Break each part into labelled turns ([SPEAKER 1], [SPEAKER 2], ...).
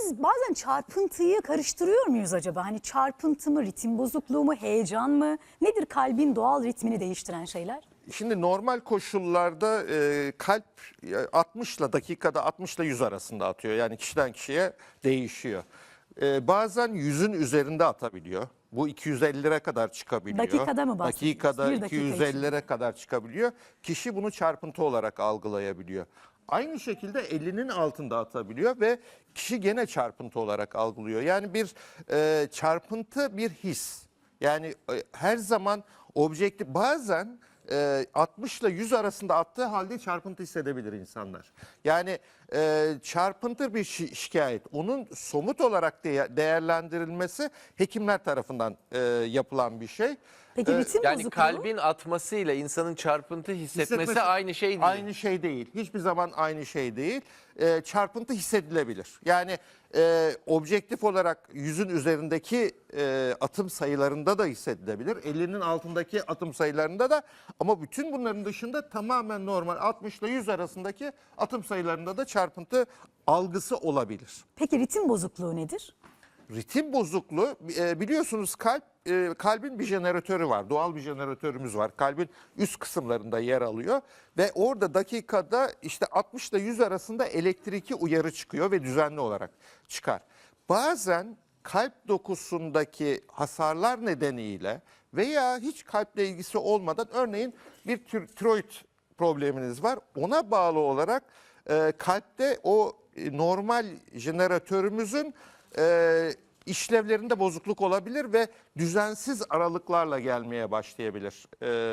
[SPEAKER 1] biz bazen çarpıntıyı karıştırıyor muyuz acaba? Hani çarpıntı mı, ritim bozukluğu mu, heyecan mı? Nedir kalbin doğal ritmini değiştiren şeyler?
[SPEAKER 2] Şimdi normal koşullarda kalp 60 ile dakikada 60 ile 100 arasında atıyor. Yani kişiden kişiye değişiyor. Bazen 100'ün üzerinde atabiliyor. Bu 250'lere kadar çıkabiliyor.
[SPEAKER 1] Dakikada mı bahsediyoruz?
[SPEAKER 2] Dakikada
[SPEAKER 1] Bir dakika
[SPEAKER 2] 250'lere kadar çıkabiliyor. Kişi bunu çarpıntı olarak algılayabiliyor. Aynı şekilde 50'nin altında atabiliyor ve kişi gene çarpıntı olarak algılıyor. Yani bir çarpıntı bir his. Yani her zaman objektif, bazen 60 ile 100 arasında attığı halde çarpıntı hissedebilir insanlar. Yani çarpıntı bir şikayet. Onun somut olarak değerlendirilmesi hekimler tarafından yapılan bir şey.
[SPEAKER 1] Peki ritim
[SPEAKER 3] Yani
[SPEAKER 1] bozukluğu?
[SPEAKER 3] kalbin atmasıyla insanın çarpıntı hissetmesi aynı şey değil.
[SPEAKER 2] Aynı şey değil. Hiçbir zaman aynı şey değil. Çarpıntı hissedilebilir. Yani objektif olarak 100'ün üzerindeki atım sayılarında da hissedilebilir. 50'nin altındaki atım sayılarında da, ama bütün bunların dışında tamamen normal 60 ile 100 arasındaki atım sayılarında da çarpıntı algısı olabilir.
[SPEAKER 1] Peki ritim bozukluğu nedir?
[SPEAKER 2] Ritim bozukluğu, biliyorsunuz kalbin bir jeneratörü var. Doğal bir jeneratörümüz var. Kalbin üst kısımlarında yer alıyor ve orada dakikada işte 60 ile 100 arasında elektriki uyarı çıkıyor ve düzenli olarak çıkar. Bazen kalp dokusundaki hasarlar nedeniyle veya hiç kalple ilgisi olmadan, örneğin bir tiroid probleminiz var. Ona bağlı olarak kalpte o normal jeneratörümüzün işlevlerinde bozukluk olabilir ve düzensiz aralıklarla gelmeye başlayabilir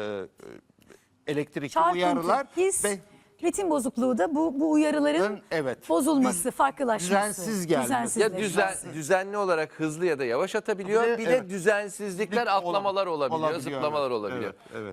[SPEAKER 2] elektrikli
[SPEAKER 1] Çarpıntı,
[SPEAKER 2] uyarılar
[SPEAKER 1] his,
[SPEAKER 2] ve
[SPEAKER 1] ritim bozukluğu da bu uyarıların
[SPEAKER 2] evet,
[SPEAKER 1] bozulması, farklılaşması.
[SPEAKER 2] düzensiz gelmesi.
[SPEAKER 1] düzensizleşmesi.
[SPEAKER 3] Düzenli olarak hızlı ya da yavaş atabiliyor. Bir de
[SPEAKER 2] evet,
[SPEAKER 3] düzensizlikler, atlamalar olabiliyor, zıplamalar olabiliyor.
[SPEAKER 2] Evet, evet.